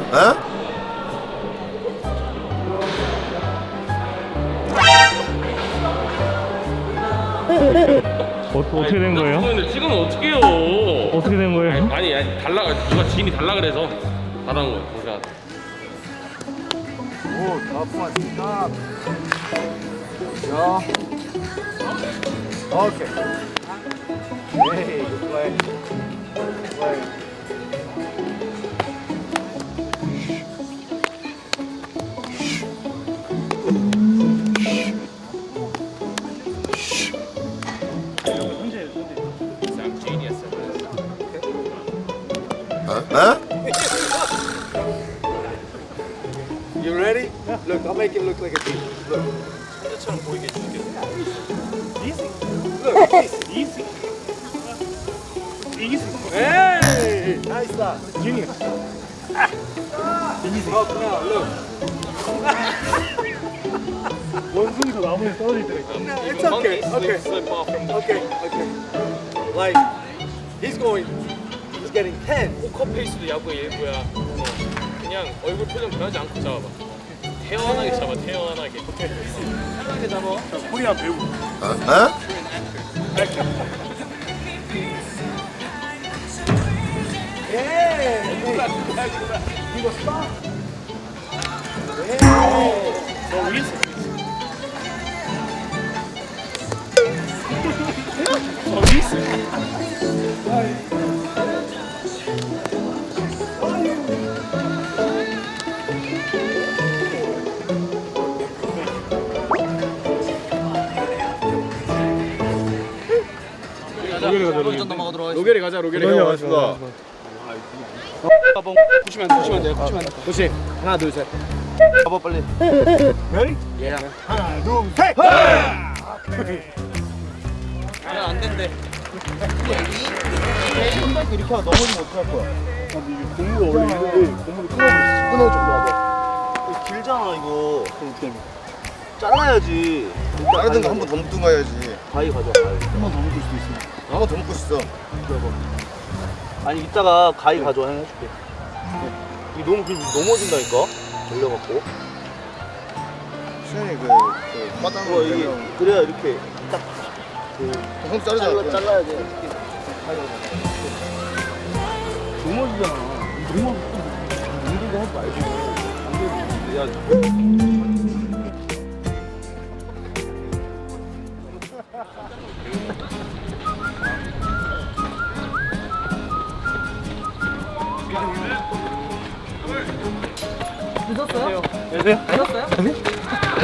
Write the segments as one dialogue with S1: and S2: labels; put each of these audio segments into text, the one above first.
S1: 어떻게 된 거예요?
S2: 근데 지금은 어떻게 해요?
S1: 어떻게 된 거예요?
S2: 아니 달라, 누가 지인이 달라 그래서 받아온 거야. 그러니까
S3: 오, top one, stop. Go. Okay. Hey, good play. Good play. You ready? Look, I'll make it look like a beach. Look.
S2: 처럼 보이게 해줄게.
S3: Look, easy. Hey! Nice stop. Genius. Easy. Up now, look.
S1: 원숭이도 나무에 떨어지더라고요.
S3: No, it's okay. Okay.
S2: Slip off from the
S3: Okay. Like, he's getting 10.
S2: 포커페이스도 야구의 일부야. 그냥 얼굴 표정 변하지 않고 잡아봐. 태연하게 잡아, 태연하게. 편하게 잡아.
S1: 코리아 배우.
S3: Hey! He was stop.
S1: 너 위에서.
S3: 로게리 가자, 로게리.
S1: 맞습니다.
S3: push면 안 돼. push. 하나, 둘, 셋. 가봐, 빨리.
S1: Ready?
S3: Yeah.
S1: 하나, 둘, 셋.
S2: 안 된대.
S3: 이렇게 하면 넘어지면 어떡할 거야?
S1: 고무가 원래 이런데 고무를
S3: 끊어 좀 놔봐. 길잖아, 이거. 잘라야지.
S4: 다른 거 한 번 더 묶든 가야지.
S3: 가위 가져, 가위.
S1: 한번 더 묶을 수도 있습니다.
S4: 한 번 더 묶고 있어.
S3: 아니, 이따가 가위 가져, 해줄게. 이 너무 넘어진다니까? 걸려갖고.
S4: 수현이 그
S3: 이게,
S4: 바닥으로
S3: 그래야 이렇게 딱.
S4: 손 자르잖아.
S3: 잘라야 돼.
S1: 넘어지잖아.
S3: 운동도 하지 말고. 안 되지.
S5: 늦었어요?
S1: 안녕하세요.
S5: 늦었어요?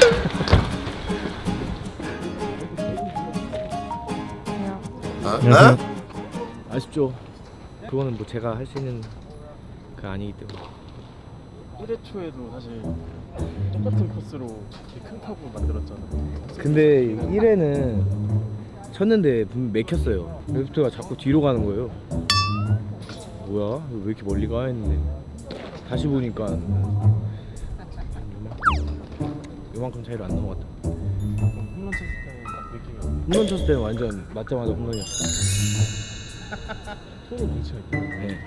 S1: 안녕하세요.
S6: 아쉽죠. 그거는 뭐 제가 할 수 있는 그 아니기 때문에.
S1: 1회 초에도 사실 똑같은 코스로 이렇게 큰 타구 만들었잖아요.
S6: 근데 1회는 쳤는데 분명 맥혔어요. 레프트가 자꾸 뒤로 가는 거예요. 뭐야? 왜 이렇게 멀리 가 했는데 다시 보니까 요만큼 차이로 안 넘어갔다.
S1: 홈런 쳤을 때는 느낌이
S6: 홈런 쳤을 때는 완전 맞자마자 홈런이었어.
S1: 토로 뭉치가 있다.
S6: 네.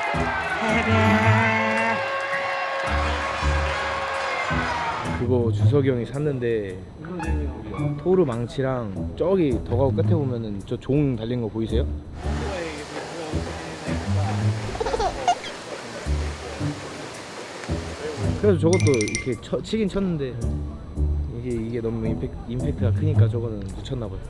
S6: 그거 주석이 형이 샀는데 토르 망치랑 저기 더가우 끝에 보면은 저 종 달린 거 보이세요? 그래서 저것도 이렇게 치긴 쳤는데 이게 너무 임팩트가 크니까 저거는 묻혔나 봐요.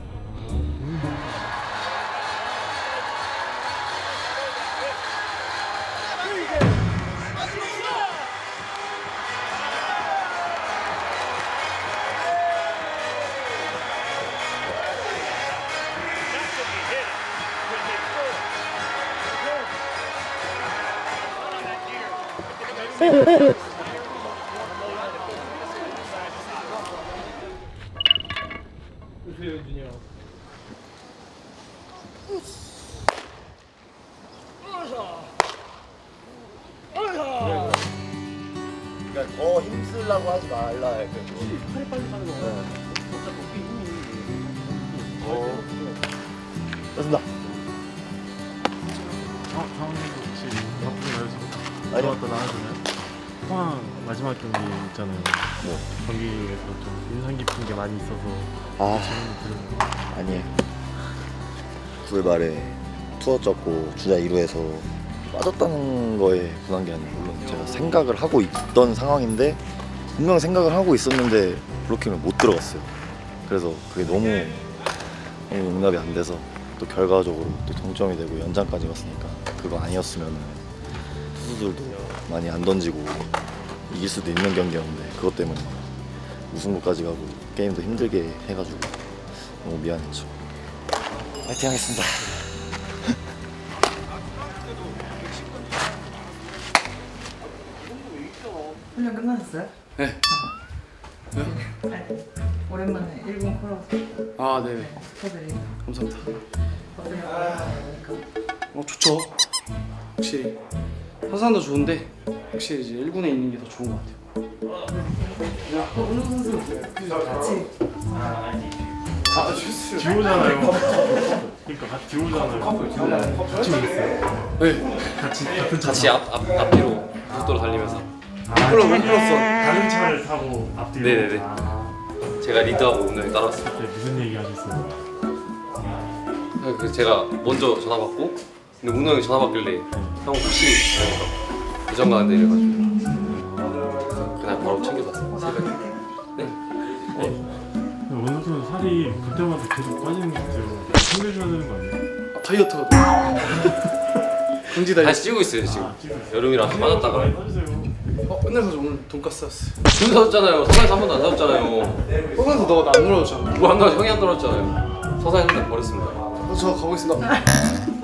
S4: 그러니까 더 힘쓰려고 하지 말라.
S1: 팔이 빨리 가는 거. 진짜 높이 힘이.
S4: 됐습니다.
S1: 정원님도 혹시 바쁘게 나오시고
S4: 아니요.
S1: 나와주나요? 포항 마지막 경기 있잖아요.
S3: 뭐?
S1: 경기에서 좀 인상 깊은 게 많이 있어서
S4: 아
S1: 질문 드려요.
S4: 아니에요. 9월 말에 투어 쪘고 주자 2루에서 빠졌다는 거에 분한 게 아니고 물론 제가 생각을 하고 있던 상황인데 분명 생각을 하고 있었는데 블로킹을 못 들어갔어요. 그래서 그게 너무 용납이 안 돼서 또 결과적으로 또 동점이 되고 연장까지 갔으니까 그거 아니었으면 투수들도 많이 안 던지고 이길 수도 있는 경기였는데 그것 때문에 우승부까지 가고 게임도 힘들게 해가지고 너무 미안했죠. 파이팅 하겠습니다.
S5: 훈련 끝나셨어요?
S7: 네.
S5: 네. 오랜만에 일본 콜라보
S7: 아, 네.
S5: 축하드립니다.
S7: 감사합니다.
S5: 어때요?
S7: 좋죠. 확실히 화산도 좋은데 확실히 이제 1군에 있는 게 더 좋은 것 같아요.
S5: 오늘 선수 같이
S1: 듀오잖아요. 그러니까 같이 듀오잖아요. 같이 있어요.
S7: 네.
S2: 같이 앞뒤로 속도로 달리면서
S1: 다른 차를 타고 앞뒤로.
S2: 네네네. 제가 리드하고 운동에 따라왔어요.
S1: 그때 무슨 얘기 하셨어요?
S2: 그래서 제가 먼저 전화 받고 근데 운호 형이 전화 받길래 형 혹시 대전 가는데 이래가지고 그날 바로 챙겨서 왔어요. 새벽에.
S1: 원석 선수 살이 볼 때마다 계속 빠지는 것 같아요. 챙겨줘야 되는 거 아니에요?
S7: 다이어트가 강지 다이어트.
S2: 다시 찌고 있어요 지금. 여름이라서 빠졌다가
S1: 많이 빠지세요.
S7: 끝나서 오늘 돈가스 샀어.
S2: 돈 사줬잖아요. 서산에서 한 번도 안 사줬잖아요.
S7: 서산에서 너가 나 안 놀아줬잖아.
S2: 뭐안 나와 형이 안 떨어졌잖아요. 서산에 한번 버렸습니다.
S7: 저 가보겠습니다.